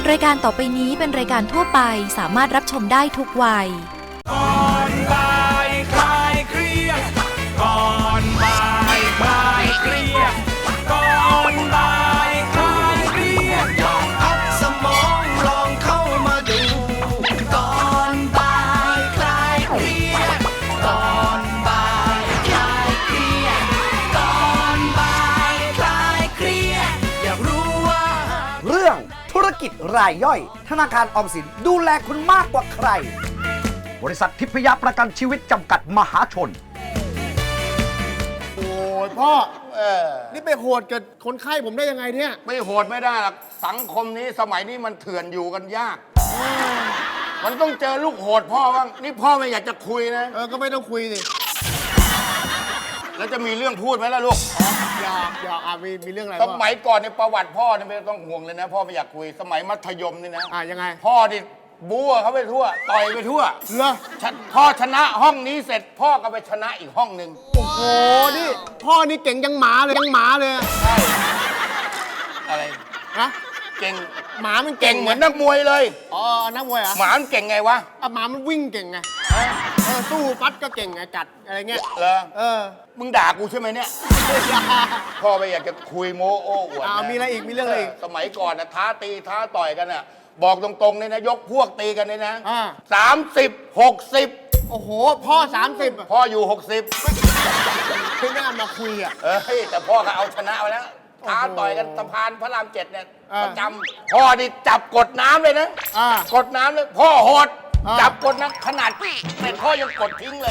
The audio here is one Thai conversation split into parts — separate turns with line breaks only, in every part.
รายการต่อไปนี้เป็นรายการทั่วไปสามารถรับชมได้ทุกวัย
ก่อนบ่ายคลายเครียดก่อนบ่ายคลายเครียดก่อนบ่ายคลายเครียดลองพักสมองลองเข้ามาดูก่อนบ่ายคลายเครียดก่อนบ่ายคลายเครียดก่อนบ่ายคลายเครียดอยากรู้ว่า
เรื่องธุรกิจรายย่อยธนาคารออมสินดูแลคุณมากกว่าใครบริษัททิพยประกันชีวิตจำกัดมหาชน
โอ้ยพ่อนี่ไปโหดกับคนไข้ผมได้ยังไงเนี่ย
ไม่โหดไม่ได้หรอกสังคมนี้สมัยนี้มันเถื่อนอยู่กันยาก มันต้องเจอลูกโหดพ่อบ้างนี่พ่อไม่อยากจะคุยนะ
ก็ไม่ต้องคุยสิ
แล้วจะมีเรื่องพูดไหมล่ะลูก
อยากมีเรื่องอะไร
สมัยก่อนในประวัติพ่อเนี่ยไม่ต้องห่วงเลยนะพ่อไม่อยากคุยสมัยมัธยมนี่นะ
ยังไง
พ่อนี่บู๊เขาไปทั่วต่อยไปทั่ว
เหรอ
พ่อชนะห้องนี้เสร็จพ่อก็ไปชนะอีกห้องหนึ่ง
โอ้โหนี่พ่อนี่เก่งยังหมาเลย
ใช่อะไร
นะ
เก่ง
หมามัน
เก่งเหมือนนักมวยเลย
นักมวยเหรอ
หมามันเก่งไงวะ
หมามันวิ่งเก่งไงสู้ฟัดก็เก่งไงกัดอะไรเงี้ย
เหรอมึงด่ากูใช่ไหมเนี่ยพ่อไม่อยากจะคุยโม้โอ้อวดนะ
มีอะไรอีกมีเรื่องอะไรอีก
สมัยก่อนนะท้าตีท้าต่อยกันน่ะบอกตรงๆเลยนะยกพวกตีกันเลยนะ30 60
โอ้โหพ่อ30
พ่ออยู่60
ไม่น่ามาคุย
แต่พ่อก็เอาชนะไปแล้วท้าต่อยกันสะพานพระราม7เนี่ยประจำพ่อนี่จับกดน้ำเลยนะกดน้ำเลยพ่อโหดจับกดน้ำขนาดเป็นพ่อยังกดทิ้งเลย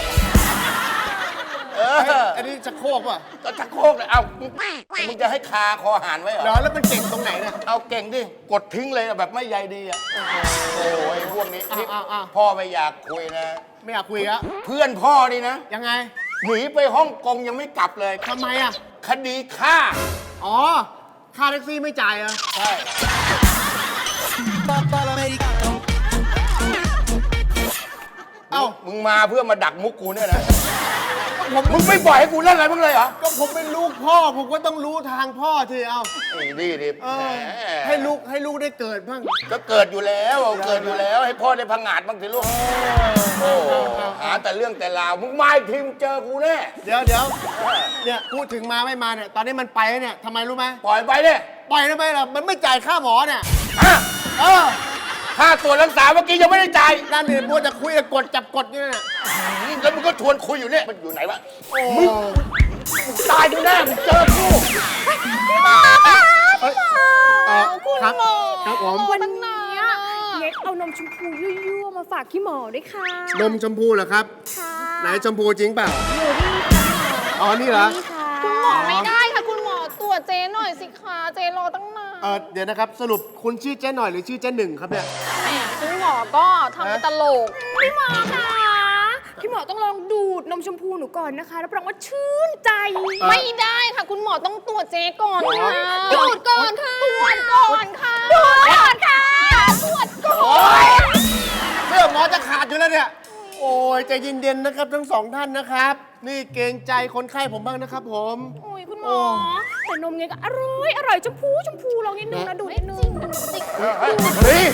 อันนี้จะโคกป่ะ
ก็ชักโครกเลยเอามึงจะให้คาคอหานไว้เหรอ
แล้วมันเก่งตรงไหนเนี่ย
เอาเก่งดิกดทิ้งเลยแบบไม่ใยดีโอ้ยพวกนี้พ่อไม่อยากคุยนะ
ไม่อยากคุยอะ
เพื่อนพ่อนี่นะ
ยังไง
หนีไปฮ่องกงยังไม่กลับเลย
ทำไม
คดีฆ่า
ค่าแท็กซี่ไม่จ่าย
ใช่มึงมาเพื่อมาดักมุกกูเนี่ยนะมึงไม่ปล่อยให้กูเล่นอะไรบ้างเลยเหรอ
ก็ผมเป็นลูกพ่อผมก็ต้องรู้ทางพ่อที
ดี
ให้ลูกได้เกิดบ้าง
ก็เกิดอยู่แล้วให้พ่อได้พังงาดบ้างสิลูกหาแต่เรื่องแต่ราวมึงมาอีกทีมึงเจอกูแน่
เดี๋ยวเนี่ยพูดถึงมาไม่มาเนี่ยตอนนี้มันไปเนี่ยทำไมรู้ไหม
ปล่อยไปเนี่ย
ปล่อยทำไมล่ะมันไม่จ่ายค่าหมอเนี่ย
ค่าตรวจรักษาเมื่อกี้ยังไม่ได้จ่าย
นั่นเนี่ยมัวจะคุยกดจับกดนี่น่ะ
แล้วมึงก็ชวนคุยอยู่เนี่ยมันอยู่ไหนวะมึงตายดูแน่มึงเจอกู
ครับครับผม
วันนี้เล็กเอานมชมพูยั่วๆมาฝากพี่หมอด้วยค่ะ
นมชมพูเหรอครับ
ค่ะ
ไหนชมพูจริงเปล่า
อยู่นี่ค่ะ
นี่เหรอ
คุณหมอไม่ได้ค่ะคุณหมอตรวจเจ๊หน่อยสิคะเจ๊รอตั้งนาน
เดี๋ยวนะครับสรุปคุณชื่อเจ๊หน่อยหรือชื่อเจ๊หนึ่งครับเนี่ย
คุณหมอก็ทำเป็นตลกพี่หมอค่ะพี่หมอต้องลองดูดนมชมพูหนูก่อนนะคะรับรองว่าชื่นใจไม่ได้ค่ะคุณหมอต้องตรวจเจ๊ก่อนค่ะดูดก่อนค่ะตรวจก่อนค่ะดูดก่อนค่ะตรวจก่อน
เสื้อหมอจะขาดอยู่แล้วเนี่ยโอ้ยใจเย็นๆนะครับทั้งสองท่านนะครับนี่เกรงใจคนไข้ผมบ้างนะครับผม
โอ้ยคุณหมอแต่นมเงี้ยก็อร่อยชมพูลองนิดนึงนะดูนิดนึง
เฮ้ย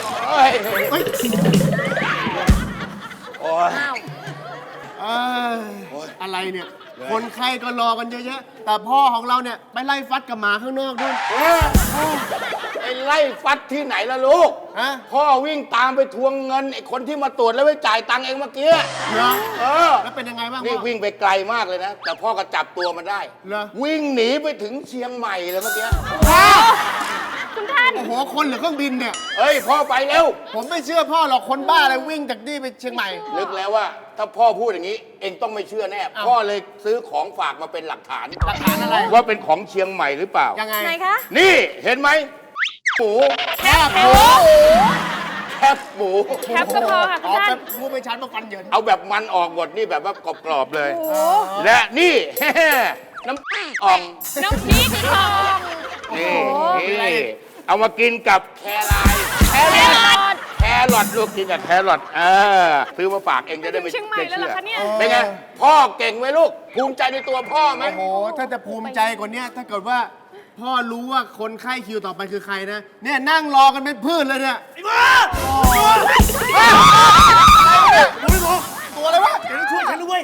อะไรเนี่ยคนไข้ก็รอกันเยอะแยะแต่พ่อของเราเนี่ยไปไล่ฟัดกับหมาข้างนอกด้วย
ไอ้ไล่ฟัดที่ไหนล่ะลูกพ่อวิ่งตามไปทวงเงินไอ้คนที่มาตรวจแล้วไปจ่ายตังค์เองเมื่อกี้
เหรอแล้วเป็นยังไงบ้าง
นี่วิ่งไปไกลมากเลยนะแต่พ่อก็จับตัวมันได้วิ่งหนีไปถึงเชียงใหม่เลยเมื่อกี้
คุณท่าน
โอ้โหคนหรือเครื่องบินเนี่ย
พ่อไปเร็ว
ผมไม่เชื่อพ่อหรอกคนบ้าอะไรวิ่งจากนี่ไปเชียงใหม่
นึกแล้วว่าถ้าพ่อพูดอย่างนี้เองต้องไม่เชื่อแน่พ่อเลยซื้อของฝากมาเป็นหลักฐาน
อะไร
ว่าเป็นของเชียงใหม่หรือเปล่า
ยังไง
ไหนคะ
นี่เห็นไหมหมู
แคบหมู
แคบ
ก็พอค่ะคุณท่าน
พูดไม่ชัดมาฟันเยิน
เอาแบบมันออกหมดนี่แบบว่ากรอบๆเลยและนี่น้ำอ่อง
น้ำพริกอ่อง
นี่เอามากินกับแครอทลูกกินกับแครอทซื้อมาฝากเองจะได้ไม่
เชื่อ
เป็นไงพ่อเก่งไหมลูกภูมิใจในตัวพ่อไหม
โอ้โหถ้าจะภูมิใจกว่านี้ถ้าเกิดว่าพ่อรู้ว่าคนไข้คิวต่อไปคือใครนะ เนี่ยนั่งรอกันเป็นพืชเลยเนี่ย
ไอ้บ้า
ตัวอะไรวะ
เดี๋ยวช่วยฉันด้วย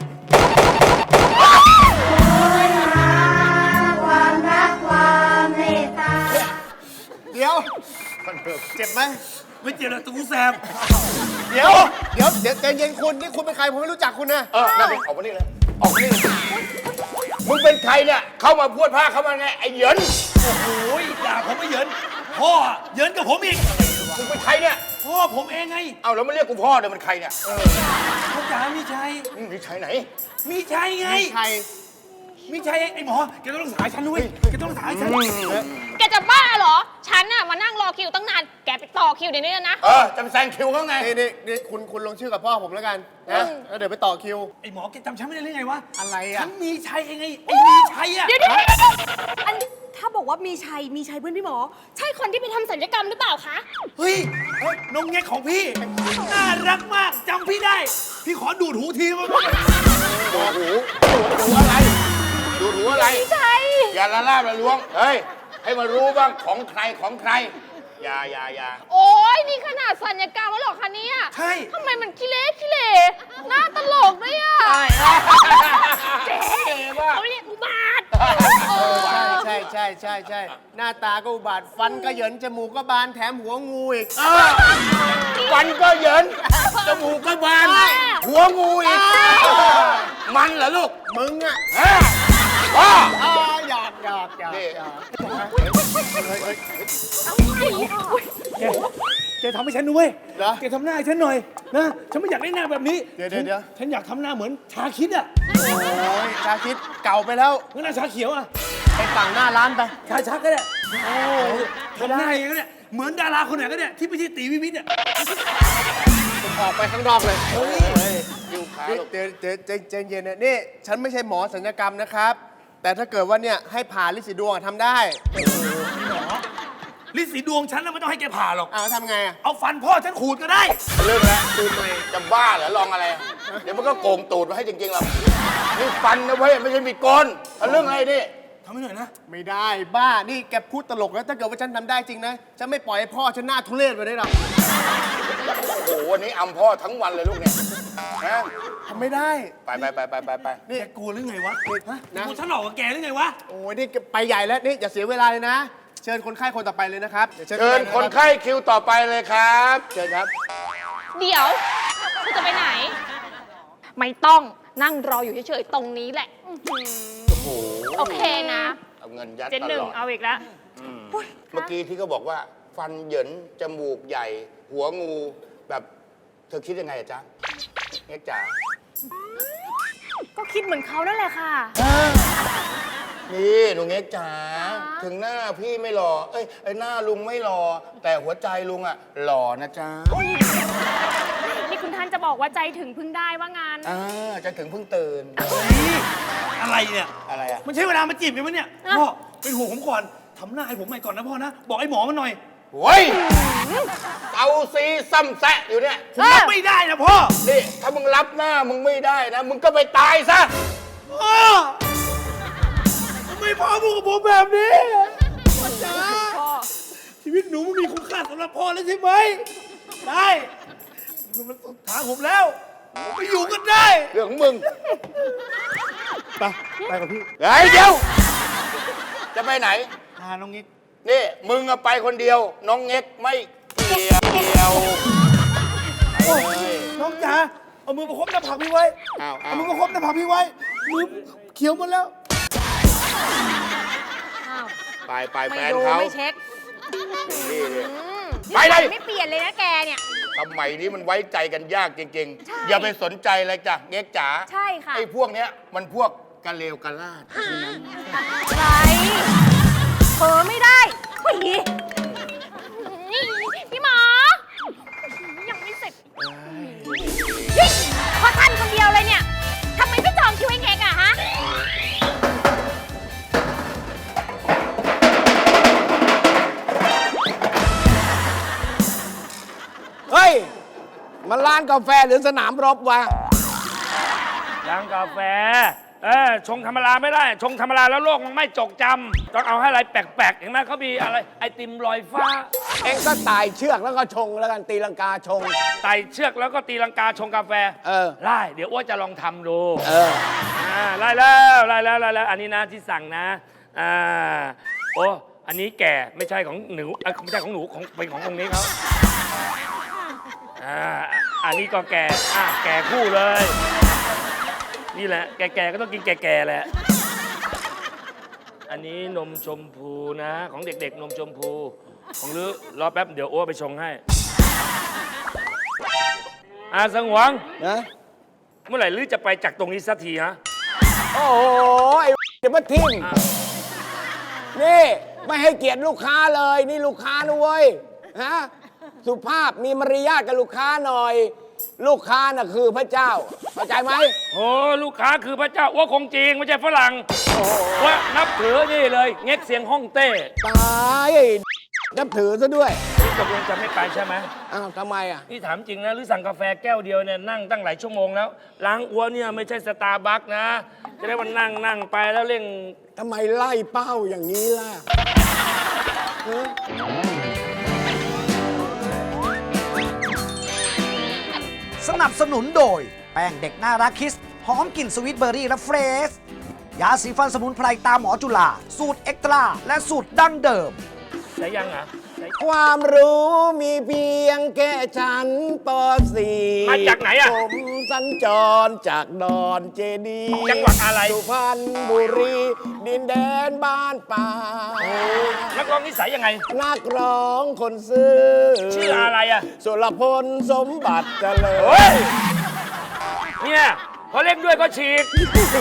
เดี๋ยว เจ็บไหม
ไม่เจ็บหรอกตัวกูแสบ
เดี๋ยวใจเย็นคุณนี่คุณเป็นใครผมไม่รู้จักคุณนะ
นั่นเป็นออกมานี่เลย ออกมานี่เลย มึงเป็นใครเนี่ย เข้ามาพูดผ้าเข้ามาไง ไอ้เหยิน
โอ้ยด่าผมไม่เหยินพ่อเหยินกับผมอีก
มึงเป็นใครเนี่ย
พ่อผมเองไง
เอาแล้วมาเรียกกูพ่อเดี๋ยวมันใครเนี่ย
พ่อจ๋ามีชัย
นี่ใครไหน
มีชัยไง
ใคร
มีชัยไอ้หมอแกต้องรักษาฉันด้วยแกต้องรักษาฉัน
แกจะบ้าเหรอ ฉันน่ะมานั่งรอคิวตั้งนาน แกไปต่อคิวเดี๋ยวนี้เลยนะ
จะไปแซงคิวเขาไง
นี่คุณลงชื่อกับพ่อผมแล้วกันนะแล้วเดี๋ยวไปต่อคิว
ไอ้หมอแกจำฉันไม่ได้หรือไงวะ
อะไร
ฉั
อ่ะ
นมีชัยเองไงไอ้มีชัยอะ
เดี๋ยวอันถ้าบอกว่ามีชัยเพื่อนพี่หมอ ใช่คนที่ไปทำศัลยกรรมหรือเปล่าคะ
เฮ้ยน้องแงกของพี่น่ารักมากจำพี่ได้ พี่ขอดูดหูทีมั้ง
ดูอะไร ดูหูอะไร
ใช่
อย่าละลาบละล้วง เฮ้ย ให้มารู้บ้างของใครของใคร อย่า
โอ้ยนี่ขนาดศัลยกรรมแล้วเหรอคะเนี่ย
ใช่
ทำไมมันขี้เละหน้าตลกด้วยอ่ะเจ๊เขาเรียกอุบาท
ใช่หน้าตาก็อุบาทฟันก็เหยินจมูกก็บานแถมหัวงูอีก
ฟันก็เหยิน จมูกก็บาน หัวงูอีก มันเหรอลูก
มึงอ่ะ
ฮะพ่อ
หยอก
นี่
แกทำให้ฉันด้วย
เหรอ
แกทำหน้าให้ฉันหน่อยนะฉันไม่อยากได้หน้าแบบนี้
เดี๋ยว
ฉันอยากทำหน้าเหมือนชาคิดอะ
โอ้ยชาคิดเก่าไปแล้ว
งั้นหน้าชาเขียวอะ
ไปฝั่งหน้าร้านไป
ชาชักก็ได้ทำหน้าอย่างนั้นเนี่ยเหมือนดาราคนไหนก็ได้ที่ไม่ใช่ตีวิวิทย์อะ
ออกไปข้างนอกเลย
คิวขาลูก
เดี๋ยวใจเย็นนะนี่ฉันไม่ใช่หมอศัลยกรรมนะครับ แต่ถ้าเกิดว่าเนี่ยให้ผ่าลิสีดวงอะทำได้
ลิสีดวงฉันน่ะไม่ต้องให้แกผ่าหรอก
เอาทำไงอ่ะ
เอาฟันพ่อฉันขูดก็ได้
เรื่องแล้วดูใหม่จะบ้าเหรอลองอะไร เดี๋ยวมันก็โกงตูดมาให้จริงๆหรอกนี่ฟันนะเว้ยไม่ใช่มีดโกนเอาเรื่องอะไรนี่
ทำให้หน่อยนะ
ไม่ได้บ้า นี่แกพูดตลกแล้วถ้าเกิดว่าฉันทำได้จริงนะ ฉันไม่ปล่อยให้พ่อฉันหน้าทุเรศไปได้หรอก
โอ้โหวันนี้อำพ่อทั้งวันเลยลูกเนี่ยนะ
ทำไม่ได้
ไป
แกกลัวหรือไงวะฮะ
นะ
กลัวฉันหลอกกับแกหรือไงวะ
โอ้ยนี่ไปใหญ่แล้วนี่อย่าเสียเวลาเลยนะ เชิญคนไข้คนต่อไปเลยนะครับดี๋ยว
เชิญคนไข้คิวต่อไปเลยครับเชิญครับ
เดี๋ยวคุณจะไปไหน ไม่ต้องนั่งรออยู่เฉยๆตรงนี้แหละโอเคนะ
เอาเงินยัด
เจน
ต
หนึ่ง
ลอด
เอาอีกแล้ว
เมื่อกี้ที่เขาบอกว่า ฟันเหยินจมูกใหญ่ หัวงูแบบเธอคิดยังไงอะจ๊ะเอ็กจ๋า
ก็คิดเหมือนเขานั่นแหละค่ะ
นี่หนูเอ็กจ๋าถึงหน้าพี่ไม่หล่อเอ้ยไอ้หน้าลุงไม่หล่อแต่หัวใจลุงอะหล่อนะจ๊ะ
นี่คุณท่านจะบอกว่าใจถึงพึ่งได้ว่างาน
จะถึงเพิ่งตื่น
อะไรเนี่ย
อะไรอะ
มันใช่เวลามาจีบกันไหมเนี่ย
อ่ะ
พ่อเป็นห่วงผมก่อนทำหน้าให้ผมใหม่ก่อนนะพ่อนะ บอกไอ้หมอมันหน่อย
โว้ยเอาซีซ้ำแซะอยู่เนี่ย
ผมรับไม่ได้นะพ่อ
นี่ถ้ามึงรับหน้ามึงไม่ได้นะ มึงก็ไปตายซะ
พ่อทำไมพ่อพูดกับผมแบบนี้พ่อจ๋า
พ่อ
ชีวิตหนูมันมีคุณค่าสำหรับพ่อแล้วใช่ไหมได้มันสุดทางผมแล้วไปอยู่กันได้
เรื่องของมึง
ไปกับพี่
เฮ้ยเดี๋ยว จะไปไหน
พาน้องนิก
นี่ มึงอะไปคนเดียว น้องเง็กไม่เกี่ยว
โอ้ยน้องจ๋าเอามือประคบหน้าผากพี่ไว้
อ้าว
เอามือประคบหน้าผากพี่ไว้มือเขียวหมดแล้ว
อ้าว
ไปแฟ
ไม่
น
ดู
เขา
ไม่เช็ค
นี่เลย
นี่
ไปเลย
ไม่เปลี่ยนเลยนะแกเนี่ย
สมัยนี้มันไว้ใจกันยากจริง
ใช่
ๆ อย่าไปสนใจเลยจ้ะเง็กจ๋า
ใช่ค่ะ
ไอ้พวกเนี้ยมันพวกกะเลวกะลาด
อะไรเผลอไม่ได้เฮ้ยนี่พี่หมอ ยังไม่เสร็จเฮ้ยเพราะท่านคนเดียวเลยเนี่ยทำไมไม่จองคิวให้เงกอะฮะ
เฮ้ย มันร้านกาแฟหรือสนามรบวะ
ร้านกาแฟ
ชงธรรมดาไม่ได้ ชงธรรมดาแล้วโลกมันไม่จกจำต้องเอาให้อะไรแปลกๆเห็นไหมเขามีอะไรไอติมลอยฟ้า
เองก็ไต่เชือกแล้วก็ชงแล้วกันตีลังกาชง
ไต่เชือกแล้วก็ตีลังกาชงกาแฟ ได้เดี๋ยวอ้วนจะลองทำดูไล่แล้วอันนี้นะที่สั่งนะโอ้อันนี้แก่ไม่ใช่ของหนูไม่ใช่ของหนูของเป็นขององค์นี้เขาอันนี้ก็แก่แก่คู่เลย นี่แหละแก่ๆก็ต้องกินแก่ๆแหละ อันนี้นมชมพูนะ ของเด็กๆนมชมพูของลือรอแป๊บเดี๋ยวโอ้ไปชงให้สงหวงนะเมื่อไหร่ลือจะไปจากตรงนี้สักทีฮะ
โอ้โหไอ้เดี๋ยวมาทิ่มนี่ไม่ให้เกียรติลูกค้าเลยนี่ลูกค้านะเว้ยฮะสุภาพมีมารยาทกับลูกค้าหน่อย ลูกค้าน่ะคือพระเจ้าเข้าใจไหม
โอ้ลูกค้าคือพระเจ้าอ้วคงจริงไม่ใช่ฝรั่งว่านับถือนี่เลยเง็กเสียงฮ่องเต้
ตายนับถือซะด้วย
นี่ตกลงจะไม่ไปใช่ไหม
อ้าวทำไมอ่ะ
นี่ถามจริงนะหรือสั่งกาแฟแก้วเดียวเนี่ยนั่งตั้งหลายชั่วโมงแล้วล้างอ้วเนี่ยไม่ใช่สตาร์บัคนะจะได้วันนั่งไปแล้วเร่ง
ทำไมไล่เป้าอย่างนี้ล่ะ
สนับสนุนโดย แป้งเด็กน่ารักคิสหอมกลิ่นสวีทเบอร์รี่และเฟรชยาสีฟันสมุนไพรตามหมอจุฬาสูตรเอ็กตร้าและสูตรดั้งเดิม
ใช้ยังอ่ะ
ความรู้มีเพียงแค่ชั้นป .4
มาจากไหนอะ
ผมสัญจรจากดอนเจดีย์
จังหวัดอะไร
สุพรรณบุรีดินแดนบ้านป่า
นักร้องนิสัยยังไง
นักร้องคนซื่อ
ชื่ออะไรอะ
สุรพลสมบัติเจริ
โอ้
ญ
ยเนี่ยพอเล่นด้วยก็ฉีก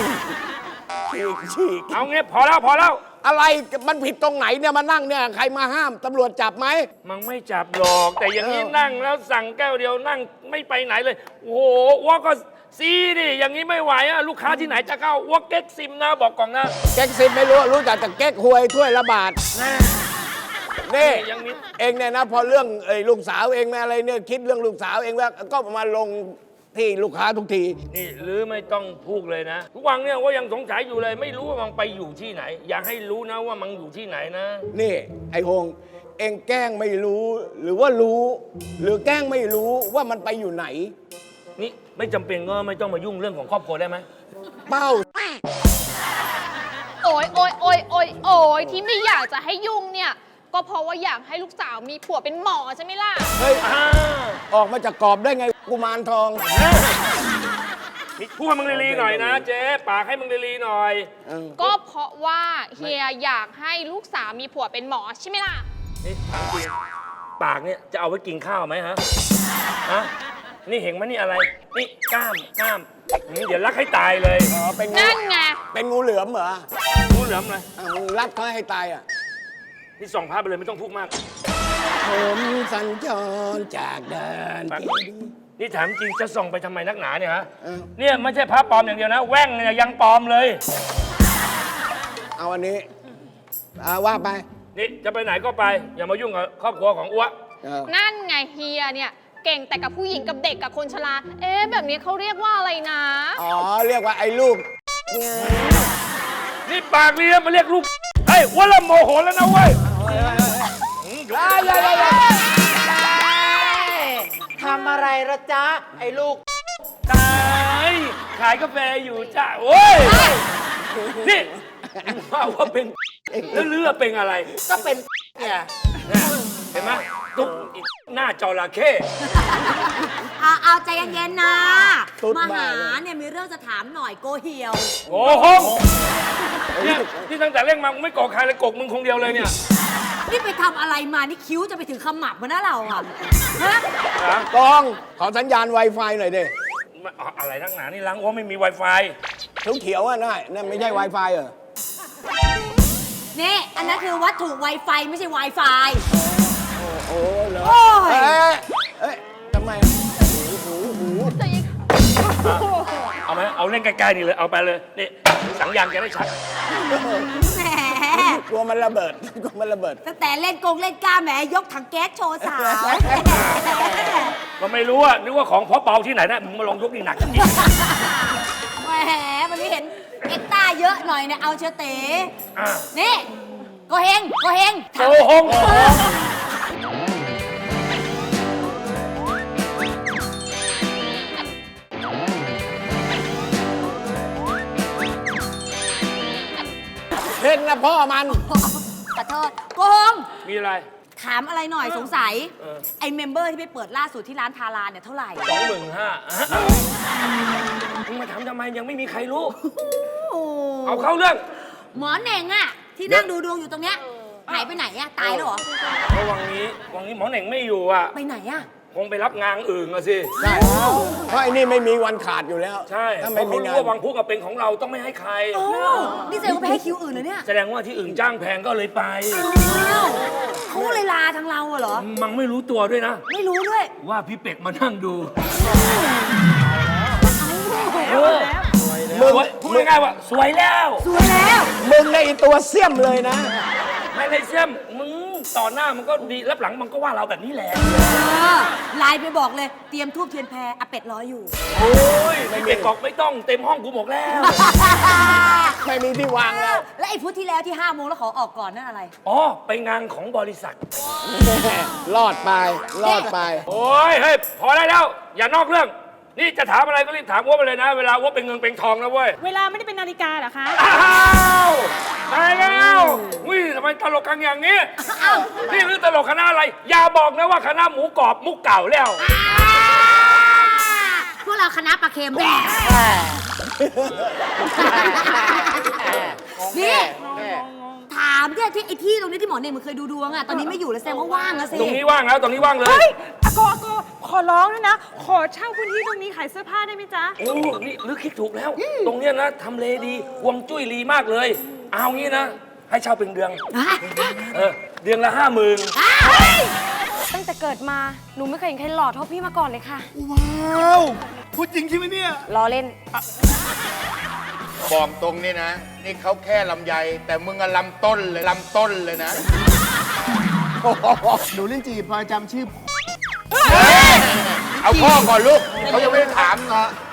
ฉีก
เอางี้พอแล้ว
อะไรมันผิดตรงไหนเนี่ยมานั่งเนี่ยใครมาห้ามตำรวจจับไหม
มันไม่จับหรอกแต่อย่างนี้นั่งแล้วสั่งแก้วเดียวนั่งไม่ไปไหนเลย โอ้โหว่าก็ซีดิอย่างนี้ไม่ไหวอะลูกค้าที่ไหนจะเข้าว่าเก๊กซิมนะบอกก่อนนะ
เก๊กซิมไม่รู้จักแต่เก๊กหวยถ้วยละบาทนี่
ยังมี
เองเนี่ยนะพอเรื่องลูกสาวเองอะไรเนี่ยคิดเรื่องลูกสาวเองแล้วก็มาลงที่ลูกค้าทุกที
นี่หรือไม่ต้องพูดเลยนะทุกวันเนี่ยว่ายังสงสัยอยู่เลยไม่รู้ว่ามันไปอยู่ที่ไหน อยากให้รู้นะว่ามันอยู่ที่ไหนนะ
นี่ไอ้โฮงเองแกล้งไม่รู้หรือว่ารู้ หรือแกล้งไม่รู้ว่ามันไปอยู่ไหน
นี่ไม่จำเป็นก็ไม่ต้องมายุ่งเรื่องของครอบครัวได้ไหม
เป้า
โอยที่ไม่อยากจะให้ยุ่งเนี่ย ก็เพราะว่าอยากให้ลูกสาวมีผัวเป็นหมอใช่ไหมล่ะ
เฮ้ยออกมาจากกรอบได้ไงกุมารทอง
นี่พูดให้มึงลีๆหน่อยนะเจ๊ปากให้มึงลีๆหน่อย
ก็เพราะว่าเฮียอยากให้ลูกสาวมีผัวเป็นหมอใช่ไหมล่ะ
นี่ถามจริงปากเนี่ยจะเอาไว้กินข้าวไหมฮะนี่เห็นไหมนี่อะไรนี่กล้ามนี่เดี๋ยวรักให้ตายเลย
อ๋อเป็นงู
นั่นไง
เป็นงูเหลือมเหรอ
งูเหลือมเลย
มึงรัดเขาให้ตายอ่ะ
นี่ส่องภาพไปเลยไม่ต้องพูดมาก
ผมสัญจรจากแดน
ปาก
เจดีย์
นี่ถามจริงจะส่องไปทำไมนักหนาเนี่ยฮะ
เออ
เนี่ยไม่ใช่พระปลอมอย่างเดียวนะแว่งเนี่ยยังปลอมเลย
เอาอันนี้ว่าไป
นี่จะไปไหนก็ไป อย่ามายุ่งกับครอบครัวของอ้ว
นั่นไงเฮียเนี่ยเก่งแต่กับผู้หญิงกับเด็กกับคนชราแบบนี้เขาเรียกว่าอะไรนะ
อ๋อเรียกว่าไอ้ลูก
นี่ปากเรียมาเรียกลูกเฮ้ยอ้วนละโมโหแล้วนะเว้ย
ทำอะไรละจ๊ะ ไอ้ลูก
ตายขายกาแฟอยู่จ้าโอ้ยนี่ว่าเป็นแล้วเลือเป็นอะไร
ก็เป็นเนี่ย
เห็นไหมตุ๊กอีกหน้าจระเข้
เอาใจเย็นๆนะ
ตุ๊ด
มา
บ้า
หา
เลย
เนี่ยมีเรื่องจะถามหน่อยโกเหียว
โอ้โหเนี่ยที่ตั้งแต่เล่นมาไม่โกกใครเลยโกกมึงคงเดียวเลยเนี่ย
นี่ไปทำอะไรมา นี่คิ้วจะไปถึงขมับมานะเราอ่ะฮะ
กองขอสัญญาณ Wi-Fi หน่อยดิ
อะไรนักหนานี่ล้างอ้วไม่มี Wi-Fi
เขียวๆอ่ะนั่นไม่ใช่ Wi-Fi เหรอ
นี่อันนั้นคือวัตถุ Wi-Fi ไม่ใช่ Wi-Fi
โอ้เหรอ
โอ้ย
เอ้ยทำไม
เอาไหมเอาเล่นใกล้ๆนี่เลยเอาไปเลยนี่สังยางแกได้ชัด
แหม
กลัวมันระเบิด กลัวมันระเบิด
ตั้งแต่เล่นกงเล่นกล้าแหมยกถังแก๊สโชว์สาว
ก็ไม่รู้อะนึกว่าของเพาะเบาที่ไหนนะมึงมาลองยกนี่หนักจริง
แหมวันนี้เห็นเอ็กเยอะหน่อยเนี่ยเอาเชอเต๋
อ่ะ
นี่โกเฮง
โกหง
เพ่งนะพ่อมัน
ขอโทษโกหง
มีอะไร
ถามอะไรหน่อยสงสัย
เออ
ไอ้เมมเบอร์ที่ไปเปิดล่าสุดที่ร้านทาราเนี่ยเท่าไหร่
25,000มึงมาทำไมยังไม่มีใครรู้ เอาเข้าเรื่อง
หมอเหน่งอะที่นั่งดูดวงอยู่ตรงเนี้ยหายไปไหนอะตายแล้วเหรอ
เพราะวังนี้หมอเหน่งไม่อยู่อ่ะ
ไปไหนอะ
คงไปรับงานอื่นอะสิ
ใช่ เพราะไอ้นี่ไม่มีวันขาดอยู่แล้ว
ใช่
ถ้า
เพ
ไม่
ราะ
มี
เขา
งา
รู้
น
ว่าวังพุกเป็นของเราต้องไม่ให้ใคร
นี่แสดงว่าไปให้คิวอื่นเหรอเนี่ย
แสดงว่าที่อื่นจ้างแพงก็เลยไป
อ้าวเขาเลยลาทางเราอะเหรอ
มังไม่รู้ตัวด้วยนะ
ไม่รู้ด้วย
ว่าพี่เป็กมานั่งดู
มึง
พูดง่ายๆว่า สวยแล้ว
สวยแล้ว
มึงในอีตัวเสี่ยมเลยนะ
ไม่เลยเสี่ยมมึงต่อหน้ามันก็ดีรับหลังมันก็ว่าเราแบบนี้แหละ
ไลน์ไปบอกเลย เตรียมทูบเทียนแพรอาเป็ดรออยู่
โอ้ยพี่เป็กบอกไม่ต้องเต็มห้องกูบอกแล้ว
ไม่มีที่วางแล้ว
และไอ้พุธที่แล้วที่5 โมงแล้วขอออกก่อนนั่นอะไร
อ๋อ ไปงานของบริษัท
รอดไป รอดไป
โอ้ยเฮ้ยพอได้แล้ว อย่านอกเรื่อง นี่จะถามอะไรก็รีบถามว่าไปเลยนะ เวลาว่าเป็นเงินเป็นทองนะเว้ย
เวลาไม่ได้เป็นนาฬิกาเหรอคะ
อ้าวตายแล้ววิทำไมตลกกันอย่างนี้นี่คือตลกคณะอะไร อย่าบอกนะว่าคณะหมูกรอบมุกเก่าแล้ว
พวกเราคณะปลาเค็มนี่ถามเนี่ยที่ไอ้ที่ตรงนี้ที่หมอเนี่ยมันเคยดูดวงอะตอนนี้ไม่อยู่แล้วแสดงว่าว่างแล้วสิ
ตรงนี้ว่างแล้วตรงนี้ว่างเลย
เฮ้ยอาโกขอร้องด้วยนะ ขอเช่าพื้นที่ตรงนี้ขายเสื้อผ้าได้ไหมจ๊ะ
โอ้ นี่ลึกคิดถูกแล้ว ตรงเนี้ยนะทำเลดีฮวงจุ้ยดีมากเลย เอางี้นะ ให้เช่าเป็นเดือน เดือนละ 50,000
ตั้งแต่เกิดมา หนูไม่เคยเห็นใครหล่อเท่าพี่มาก่อนเลยค่ะ
ว้าวพูดจริงใช่ไหมเนี่ย
ล้อเล่น
บอกตรงนี่นะ นี่เขาแค่ลำไย แต่มึงอะลำต้นเลยลำต้นเลยนะ
หนูลิ้นจีพอจำชื่อ
เอาพ่อก่อนลูก เขายังไม่ได้ถาม
พ่